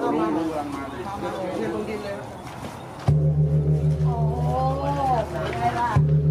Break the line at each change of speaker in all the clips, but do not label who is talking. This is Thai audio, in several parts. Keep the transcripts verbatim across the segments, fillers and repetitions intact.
รู้รู้กำลังมาเลยเทียนลงดินเลย
โอ้ได้ละ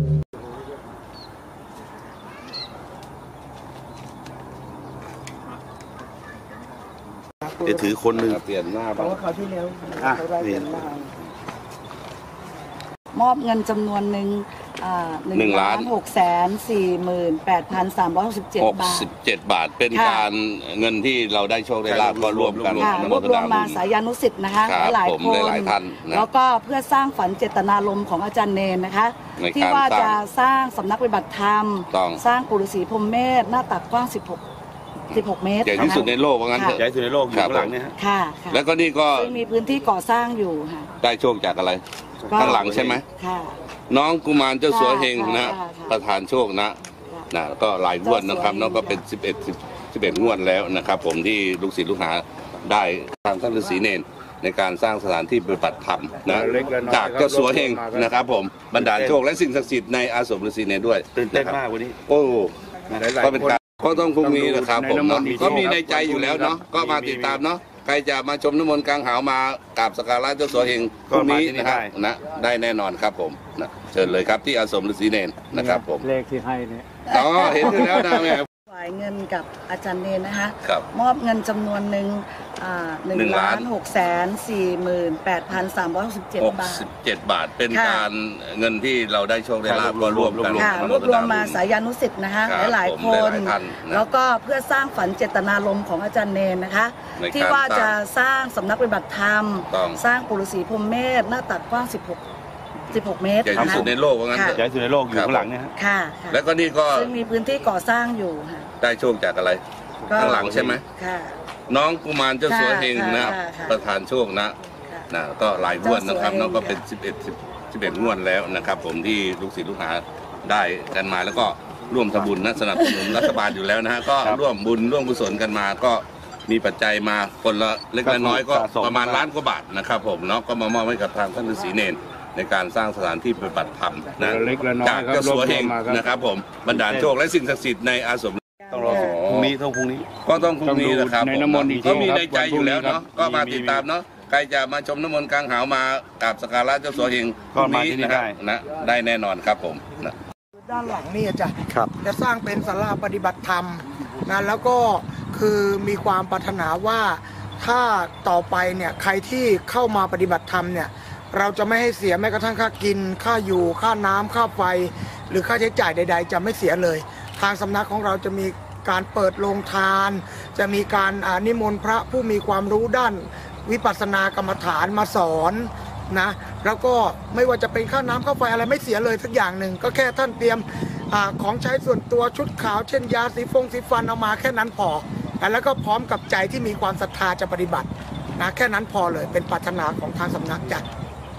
จะถือคนหนึ่งเปลี่ยนหน้าบ้าง
เขาที่แล้วเขาได้เปลี่ยนหน้าม
อบเงินจำนวนหนึ่งหนึ่งล้านหกแสนสี่หมื่นแปดพันสามร้อยหกสิบเจ็ดบาท
สิบเจ็ดบาทเป็นการเงินที่เราได้โชคได้ลาภก็รวมกัน
รวบรวมมาสายานุสิทธิ์นะคะหลายคนแล้วก็เพื่อสร้างฝันเจตนารมณ์ของอาจารย์เนรนะคะที่ว่าจะสร้างสำนักปฏิบัติธรรมสร้างปู่ฤาษีพรหมเมธหน้าตักกว้างสิบหกสิบหกเมตร
ใหญ่ที่สุดในโลกว่างั้นเถอะ
ใหญ่ที่สุดในโลกอยู่ข้างหลังเนี่ย
ค่ะ
แล้วก็นี่ก็
มีพื้นที่ก่อสร้างอยู่ค่ะ
ได้โชคจากอะไรข้างหลังใช่ไหม
ค่ะ
น้องกุมารเจ้าสัวเฮงนะประธานโชคนะนะก็หลายงวดนะครับน้องก็เป็นสิบเอ็ดสิบเอ็ดงวดแล้วนะครับผมที่ลูกศิษย์ลูกหาได้ทางท่านฤาษีเนรในการสร้างสถานที่ปฏิบัติธรรมนะจากเจ้าสัวเฮงนะครับผมบรรดาโชคและสิ่งศักดิ์สิทธิ์ในอาสมฤาษีเนรด้วย
ตื่นเต้นมากวันนี้
โอ้ก็เป็นการก็ต้องพรุ่งนี้นะครับผมเนาะก็มีในใจอยู่แล้วเนาะก็มาติดตามเนาะใครจะมาชมน้ำมนต์กลางหาวมากราบสักการะเจ้าสัวเฮงพรุ่งนี้นะครับนะได้แน่นอนครับผมนะเชิญเลยครับที่อาสมฤาษีเนรนะครับผม
เลขที่ให้เนี่ย
อ๋อเห็นอยู่แล้วนะแม่
ถวายเงินกับอาจารย์เนรนะคะมอบเงินจำนวนหนึ่งหนึ่งล้านหกแสนสี่หมื่นแปดพันสามร้อยหกสิบเจ็ดบาท
สิบเจ็ดบาทเป็นการเงินที่เราได้โชคได้ลาภก็รวมกัน
รวบรวมมาสายานุสิทธิ์นะคะหลายๆคนแล้วก็เพื่อสร้างฝันเจตนารมณ์ของอาจารย์เนรนะคะที่ว่าจะสร้างสำนักปฏิบัติธรรมสร้างปู่ฤาษีพรหมเมธหน้าตักกว้างสิบหกสิบหกเมตร
ใหญ่ที่สุดในโลกว่างั้นเถอะ
ใหญ่ที่สุดในโลกอยู่ข้างหลังเนี่ย
ค่ะ
แล้วก็นี่ก็
ซึ่งมีพื้นที่ก่อสร้างอยู่ค่ะ
ได้โชคจากอะไรข้างหลังใช่ไหม
ค่ะ
น้องกุมารเจ้าสัวเฮงนะประธานโชคนะนะก็หลายงวดนะครับน้องก็เป็นสิบเอ็ดสิบเอ็ดงวดแล้วนะครับผมที่ลูกศิษย์ลูกหาได้กันมาแล้วก็ร่วมทำบุญนะสนับสนุนรัฐบาลอยู่แล้วนะฮะก็ร่วมบุญร่วมกุศลกันมาก็มีปัจจัยมาคนละเล็กละน้อยก็ประมาณล้านกว่าบาทนะครับผมเนาะก็มามอบให้กับทางท่านฤาษีเนรในการสร้างสถานที่ปฏิบัติธรรมนะจากเจ้าสัวเฮงนะครับผมบรรดาโชคและสิ่งศักดิ์สิทธิ์ในอาสม
ต้องรอพรุ่งนี้ต้องพรุ่งนี้
ก็ต้องพรุ่งนี้นะครับก็มีในใจอยู่แล้วเนาะก็มาติดตามเนาะใครจะมาชมน้ำมนต์กลางหาวมากราบสักการะเจ้าสัวเฮงพรุ่งนี้นะครับนะได้แน่นอนครับผมนะ
ด้านหลังนี่จะจะสร้างเป็นศาลาปฏิบัติธรรมนะแล้วก็คือมีความปรารถนาว่าถ้าต่อไปเนี่ยใครที่เข้ามาปฏิบัติธรรมเนี่ยเราจะไม่ให้เสียแม้กระทั่งค่ากินค่าอยู่ค่าน้ำค่าไฟหรือค่าใช้จ่ายใดๆจะไม่เสียเลยทางสำนักของเราจะมีการเปิดโรงทานจะมีการนิมนต์พระผู้มีความรู้ด้านวิปัสสนากรรมฐานมาสอนนะแล้วก็ไม่ว่าจะเป็นค่าน้ำค่าไฟอะไรไม่เสียเลยสักอย่างหนึ่งก็แค่ท่านเตรียมอของใช้ส่วนตัวชุดขาวเช่นยาสีฟงสีฟันเอามาแค่นั้นพอแล้วก็พร้อมกับใจที่มีความศรัทธาจะปฏิบัตินะแค่นั้นพอเลยเป็นปรารถนาของทางสำนักจัด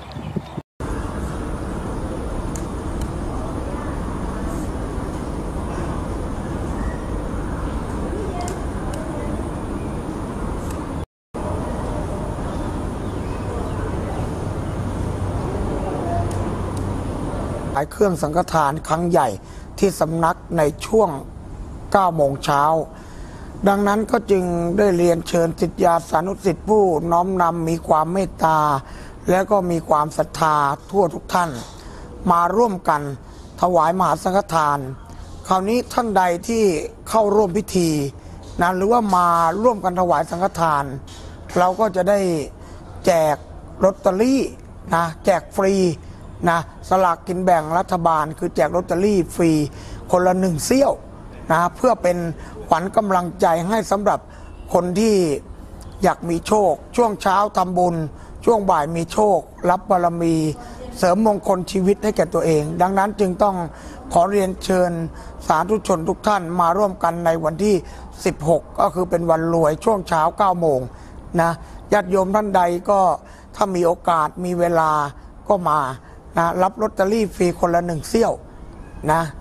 เครื่องสังฆทานครั้งใหญ่ที่สำนักในช่วงเก้าโมงเช้าดังนั้นก็จึงได้เรียนเชิญศิษยาสานุศิษย์ผู้น้อมนำมีความเมตตาและก็มีความศรัทธาทั่วทุกท่านมาร่วมกันถวายมหาสังฆทานคราวนี้ท่านใดที่เข้าร่วมพิธีนะหรือว่ามาร่วมกันถวายสังฆทานเราก็จะได้แจกลอตเตอรี่นะแจกฟรีนะสลากกินแบ่งรัฐบาลคือแจกลอตเตอรี่ฟรีคนละหนึ่งเสี้ยวนะเพื่อเป็นขวัญกำลังใจให้สำหรับคนที่อยากมีโชคช่วงเช้าทำบุญช่วงบ่ายมีโชครับบารมีเสริมมงคลชีวิตให้แก่ตัวเองดังนั้นจึงต้องขอเรียนเชิญสาธุชนทุกท่านมาร่วมกันในวันที่สิบหกก็คือเป็นวันรวยช่วงเช้าเก้าโมงนะญาติโยมท่านใดก็ถ้ามีโอกาสมีเวลาก็มานะรับลอตเตอรี่ฟรีคนละหนึ่งเสี้ยวนะ